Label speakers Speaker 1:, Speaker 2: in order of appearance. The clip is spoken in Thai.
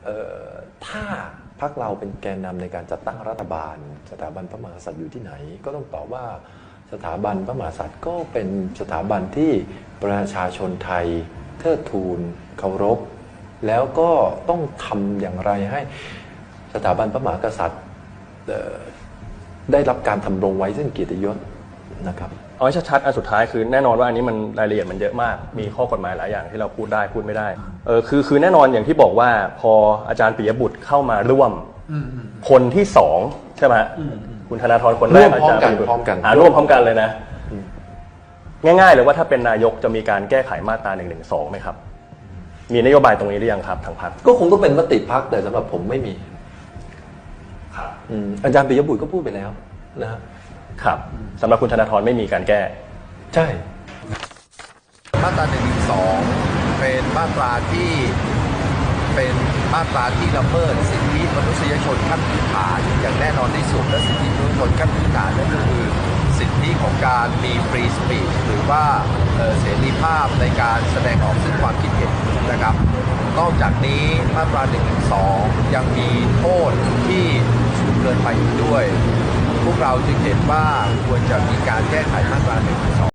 Speaker 1: ถ้าพรรคเราเป็นแกนนำในการจัดตั้งรัฐบาลสถาบันพระมหากษัตริย์อยู่ที่ไหนก็ต้องตอบว่าสถาบันพระมหากษัตริย์ก็เป็นสถาบันที่ประชาชนไทยเทิดทูนเคารพแล้วก็ต้องทำอย่างไรให้สถาบันพระมหากษัตริย์ได้รับการทำรงไว้ซึ่งเกียรติยศนะครับ
Speaker 2: เอาให้ชัดๆอันสุดท้ายคือแน่นอนว่าอันนี้มันรายละเอียดมันเยอะมากมีข้อกฎหมายหลายอย่างที่เราพูดได้พูดไม่ได้คือแน่นอนอย่างที่บอกว่าพออาจารย์ปิยบุตรเข้ามาร่วมคนที่สองใช่ไหมคุณธนาธรคนแรกอาจารย์ปิยบุตรร่วมพร้อมกันเลยนะง่ายๆเลยว่าถ้าเป็นนายกจะมีการแก้ไขมาตรา112ไหมครับมีนโยบายตรงนี้หรือยังครับทางพรรค
Speaker 1: ก็คงต้องเป็นมติพรรคแต่สำหรับผมไม่มี
Speaker 2: ครับ
Speaker 1: อาจารย์ปิยบุตรก็พูดไปแล้ว
Speaker 2: ครับสำหรับคุณธนาธรไม่มีการแก้
Speaker 1: ใช่
Speaker 3: มาตรา112เป็นมาตราที่ละเมิดสิทธิมนุษยชนขั้นพื้นฐานอย่างแน่นอนที่สุดและสิทธิมนุษยชนขั้นพื้นฐานนั่นก็คือสิทธิของการมีฟรีสปีชหรือว่าเสรีภาพในการแสดงออกซึ่งความคิดเห็นนะครับนอกจากนี้มาตรา112ยังมีโทษที่สูงเกินไปอีกด้วยพวกเราจึงเห็นว่าควรจะมีการแก้ไขมาตรา112